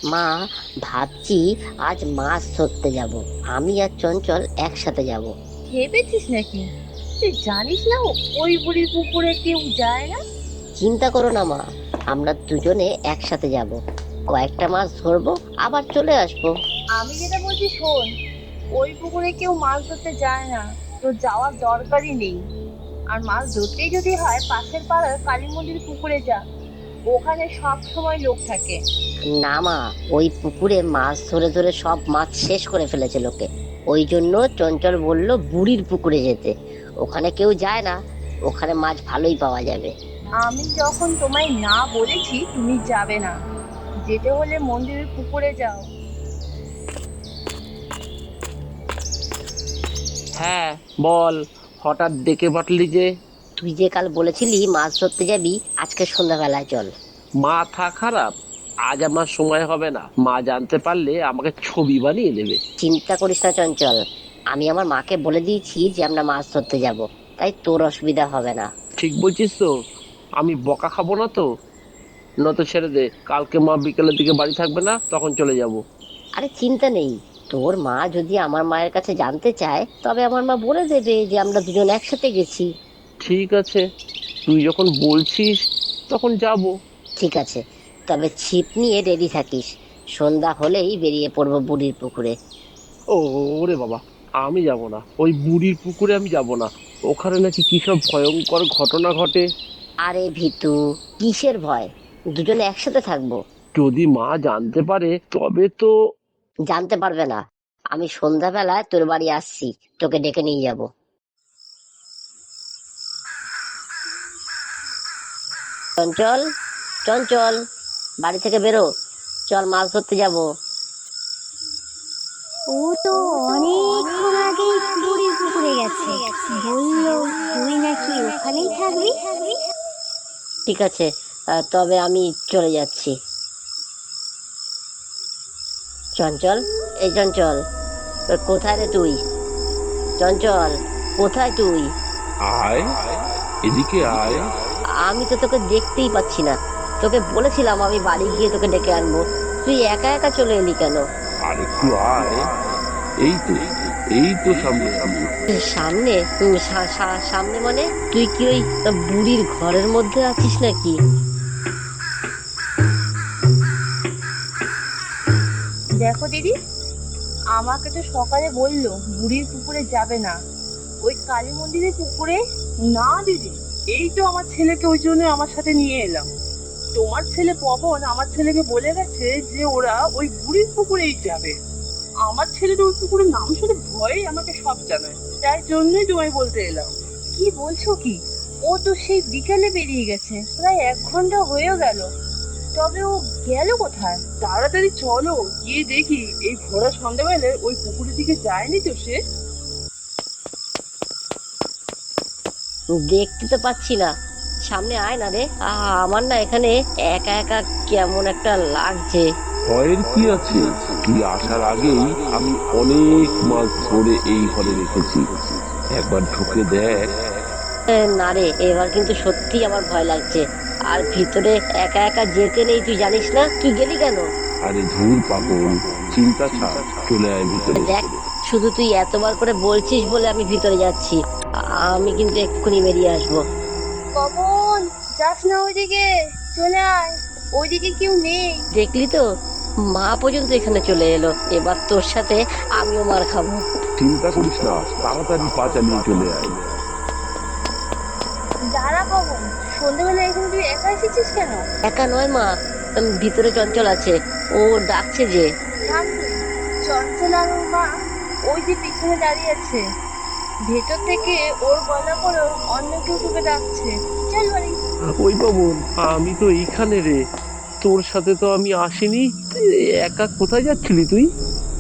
মা, ভাবছি আজ মাছ ধরতে যাব। আমি আর চঞ্চল একসাথে যাব। ভেবেছিস নাকি? তুই জানিস না ওই বুড়ির পুকুরে কেউ যায় না? চিন্তা করো না মা, আমরা দুজনে একসাথে যাব। কয়েকটা মাছ ধরবো, আবার চলে আসবো। আমি যেটা বলছি শোন, ওই পুকুরে কেউ মাছ ধরতে যায় না, তো যাওয়ার দরকারই নেই। আর মাছ ধরতেই যদি হয় পাশের পাড়ার কালী মন্দির পুকুরে যা, ওখানে সব সময় লোক থাকে। না মা, ওই পুকুরে মাছ ধরে ধরে সব মাছ শেষ করে ফেলেছে লোকে। ওই জন্য চঞ্চল বলল বুড়ির পুকুরে যেতে। ওখানে কেউ যায় না, ওখানে মাছ ভালোই পাওয়া যাবে। আমি যখন তোমায় না বলেছি তুমি যাবে না, যেতে হলে মন্দিরের পুকুরে যাও। হ্যাঁ, বল। হঠাৎ ডেকে পাঠলি যে? তুই যে কাল বলেছিলি মাছ ধরতে যাবি, আজকে সন্ধ্যাবেলায় চল। মাথা খারাপ? আজ আমার সময় হবে না। মা জানতে পারলে আমাকে ছবি বানিয়ে দেবে। চিন্তা করিস না চঞ্চল, আমি আমার মাকে বলে দিয়েছি যে আমরা মাছ ধরতে যাব, তাই তোর অসুবিধা হবে না। ঠিক বলছিস তো? আমি বকা খাবো না তো? নত ছেড়ে দে, কালকে মা বিকেলের দিকে বাড়ি থাকবে না, তখন চলে যাব। আরে চিন্তা নেই, তোর মা যদি আমার মায়ের কাছে জানতে চায় তবে আমার মা বলে দেবে যে আমরা দুজন একসাথে গেছি। ঠিক আছে, তুই যখন বলছিস তখন যাব। ঠিক আছে, তবে ছিপ নিয়ে রেডি থাকিস। সন্ধ্যা হলেই বেরিয়ে পড়বো বুড়ির পুকুরে। ও ওরে বাবা, আমি যাব না, ওই বুড়ির পুকুরে আমি যাব না। ওখানে নাকি কি সব ভয়ঙ্কর ঘটনা ঘটে। আরে ভিতু, কিসের ভয়? দুজনে একসাথে থাকবো। যদি মা জানতে পারে তবে তো। জানতে পারবে না। আমি সন্ধ্যাবেলায় তোর বাড়ি আসছি, তোকে ডেকে নিয়ে যাব। চঞ্চল, চঞ্চল, বাড়ি থেকে বেরো, চল মাছ ধরতে যাব। ও তো অনেকক্ষণ আগেই বুড়ির পুকুরে গেছে। বললো তুই নাকি ওখানেই থাকবি। ঠিক আছে, তবে আমি চলে যাচ্ছি। চঞ্চল, এই চঞ্চল, কোথায় রে তুই? চঞ্চল, কোথায় তুই? আয়, এদিকে আয়। আমি তো তোকে দেখতেই পাচ্ছি না। তোকে বলেছিলাম আমি বাড়ি গিয়ে তোকে ডেকে আনবো, তুই একা একা চলে এলি কেন? আর একটু আয়। এই তো, এই তো সামনে আমি। সামনে? সামনে মানে তুই কি ওই বুড়ির ঘরের মধ্যে আছিস নাকি? দেখো দিদি, আমাকে তো সকালে বললো বুড়ির পুকুরে যাবে না, ওই কালী মন্দিরের পুকুরে। না দিদি, এই তো আমার ছেলেকে ওই জন্য আমার সাথে নিয়ে এলাম। তোমার ছেলে পবন আমার ছেলেকে বলে গেছে যে ওরা ওই বুড়ির পুকুরেই যাবে। আমার ছেলে তো ওই পুকুরের নাম শুনে ভয়ে আমাকে সব জানায়, তাই জন্যই তোমায় বলতে এলাম। কি বলছো কি? ও তো সেই বিকেলে বেরিয়ে গেছে, প্রায় 1 ঘন্টা হয়েও গেল। তবে ও গেল কোথায়? তাড়াতাড়ি চলো গিয়ে দেখি। এই ভোরা সন্ধ্যাবেলায় ওই পুকুরের দিকে যায়নি তো সে? দেখতে তো পাচ্ছি না, সামনে আয় না রে। আমার না এখানে একা একা কেমন একটা লাগছে। ভয়ের কি আছে? তুই আসার আগেই আমি অনেক মাছ ধরে এই ঘরে রেখেছি, একবার ঢুকে দেখ। না রে, এবার কিন্তু সত্যি আমার ভয় লাগছে। আর ভিতরে একা একা যেতে নেই, তুই জানিস না? তুই গেলি কেন? আরে ধুর পাগল, চিন্তা ছাড়, চলে আয় ভিতরে। দেখ, শুধু তুই এতবার করে বলছিস বলে আমি ভিতরে যাচ্ছি। আমি কিন্তু এক্ষুনি বেরিয়ে আসবো। কখন যাস না ওইদিকে, চলে আয়, ওইদিকে কেউ নেই। দেখলি তো, মা পর্যন্ত এখানে চলে এলো। এবার তোর সাথে আমিও মার খাবো। চিন্তা করিস না, তাড়াতাড়ি পা চালিয়ে চলে আয়। দাঁড়া কখন, সন্ধ্যাবেলা এখানে তুই একা এসেছিস কেন? একা নয় মা, ভিতরে চঞ্চল আছে, ও ডাকছে যে। থাম তুই। চঞ্চল আর ওর মা ওই যে পিছনে দাঁড়িয়ে আছে, ভেতর থেকে ওর গলা করে অন্য কেউ তোকে ডাকছে। চল বাড়ি। ওই বাবন, আমি তো এইখানে রে। তোর সাথে তো আমি আসিনি। একা কোথায় যাচ্ছিলি তুই?